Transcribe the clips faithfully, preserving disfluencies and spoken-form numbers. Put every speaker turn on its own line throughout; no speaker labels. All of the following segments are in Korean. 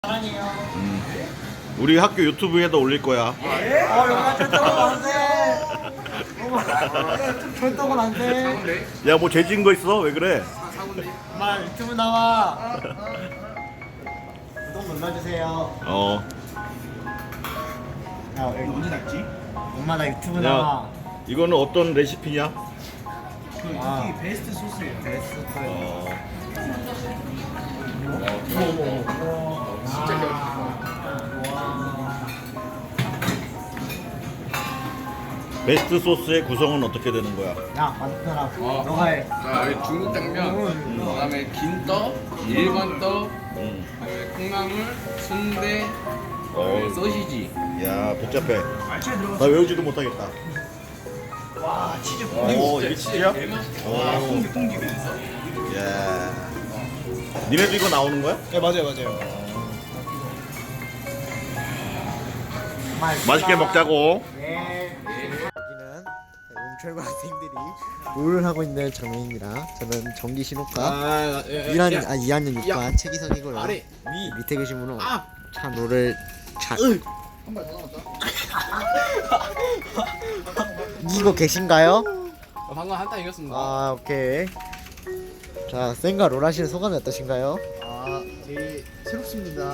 사랑해요.
음. 우리 학교 유튜브에도 올릴 거야.
어, 여기가 절도건 안 돼. 절도건 안 돼.
야, 뭐 죄진 거 있어? 왜 그래?
엄마 유튜브 나와. 구독 눌러주세요.
어.
야, 언제 닫지? 엄마 나 유튜브
야,
나와.
이거는 어떤 레시피냐?
그 아. 이게 베스트 소스예요. 베스트 소스.
어.
진짜 맛있어.
베스트 소스의 구성은 어떻게 되는 거야?
야, 만들어라.
어.
너가 해.
자, 여기 중국 당면, 그다음에 긴 떡, 일반 떡,
음.
그다음에 콩나물, 순대,
어.
소시지.
야, 복잡해.
알차에 들어가.
나 외우지도 못하겠다.
와, 치즈
오, 이게 진짜야?
대맛이다.
오.
똥집이 있어.
야. 니네도 이거 나오는 거야?
네, 맞아요, 맞아요.
맛있게 먹자고.
네. 여기는 용철과 학생들이 롤을 하고 있는 장면입니다. 저는 정기 신호과
아,
일 학년, 아, 이 학년 육 반 최기석이고요.
아래, 위.
밑에 계신 분은
아!
참 롤을 잘 이기고 계신가요?
어, 방금 한타 이겼습니다.
아, 오케이. 자, 쌩과 롤 하시는 소감이 어떠신가요?
아, 되게 새롭습니다.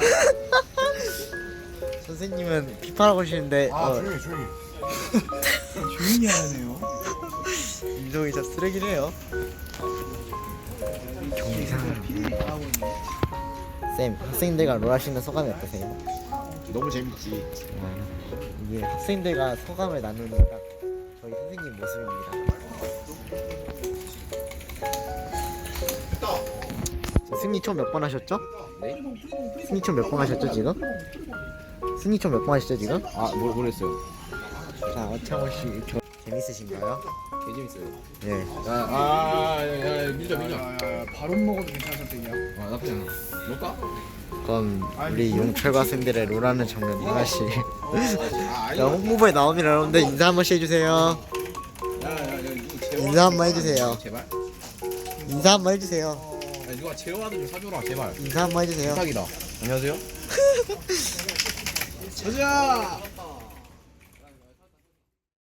선생님은 피파라고 하시는데
아,
어,
조용히, 조용히. 조용히 하네요.
인성이 진짜 쓰레기네요. 경상
하고 있네.
쌤, 학생들과 롤 하시는 소감이 어떠세요?
너무 재밌지.
이게 학생들과 소감을 나누는 딱 저희 선생님 모습입니다. 저 승리 총 몇 번 하셨죠?
네?
승리 총 몇 번 하셨죠 지금? 승리 총 몇 번 하셨죠 지금?
아, 뭘, 뭘 했어요?
자, 어창호 씨, 저 재밌으신가요?
개 재밌어요.
예.
야, 아, 야, 야, 밀자, 밀자.
야, 야, 바론 먹어도 괜찮을 때냐?
아, 나쁘지 않아. 먹까?
그럼 우리 용철과 학생들의 롤하는 장면 하나씩.
아, 아니.
자, 홍보부에 나옵니다. 여러분들 인사 한 번씩 해주세요.
야, 야, 야, 이거 제어.
인사 한번 해주세요.
제발.
인사 한번 해주세요.
야, 누가 제어하드 좀 사줘라, 제발.
인사 한번 해주세요.
부탁이다. 안녕하세요. 가자.